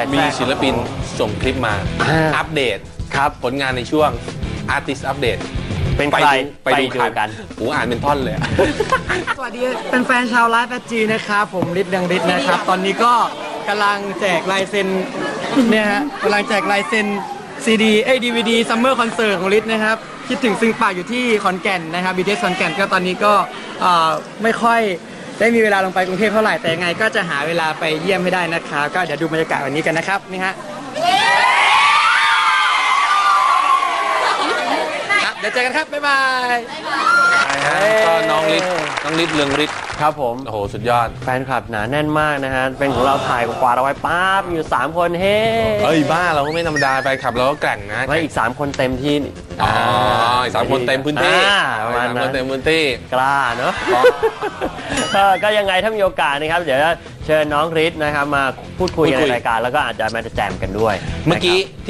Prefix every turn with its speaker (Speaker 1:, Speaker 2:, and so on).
Speaker 1: มีศิลปินส่งคลิปมาอัปเดต
Speaker 2: ครับ
Speaker 1: ผลงานในช่วง Artist Update
Speaker 2: เป็นใครไปดูกัน
Speaker 1: หูอ่านเป็นท่อนเลย
Speaker 3: สวัสดีเป็นแฟนชาวไลฟ์แฟจีนะครับผมฤทธิ์ดังฤทธิ์นะครับตอนนี้ก็กำลังแจกลายเซ็นเนี่ยฮะกำลังแจกลายเซ็นซีดีDVD Summer Concert ของฤทธิ์นะครับคิดถึงซึ่งปากอยู่ที่ขอนแก่นนะครับ BTS ขอนแก่นก็ตอนนี้ก็ไม่ค่อยได้มีเวลาลงไปกรุงเทพเท่าไหร่แต่ยังไงก็จะหาเวลาไปเยี่ยมให้ได้นะครับก็เดี๋ยวดูบรรยากาศวันนี้กันนะครับนี่ฮะเดี๋ยวเจอกันครับบ๊ายบาย
Speaker 1: ก็น้องฤทธิ์เรืองฤทธิ์
Speaker 2: ครับผม
Speaker 1: โอ้โหสุดยอด
Speaker 2: แฟนคลับหนาแน่นมากนะฮะเป็นของเราถ่ายกวาดเอาไว้ปั๊บอยู่3คนเฮ้
Speaker 1: เอ้ยบ้าเราก็ไม่ธรรมดาไปขับเราก็แกร่งนะ
Speaker 2: ไม่อีก3คนเต็มที่
Speaker 1: อ๋ออีก3 คนเต็มพื้นที่
Speaker 2: ประมาณ
Speaker 1: 3 ค
Speaker 2: นั้น น
Speaker 1: เต็มพื้นที่
Speaker 2: กล้าเนอะก็ยังไงถ้ามีโอกาสนะครับเดี๋ยวจะเชิญน้องฤทธิ์นะครับมาพูดคุยกันในรายการแล้วก็อาจจะมาแจมกันด้วย
Speaker 1: เมื่อกี้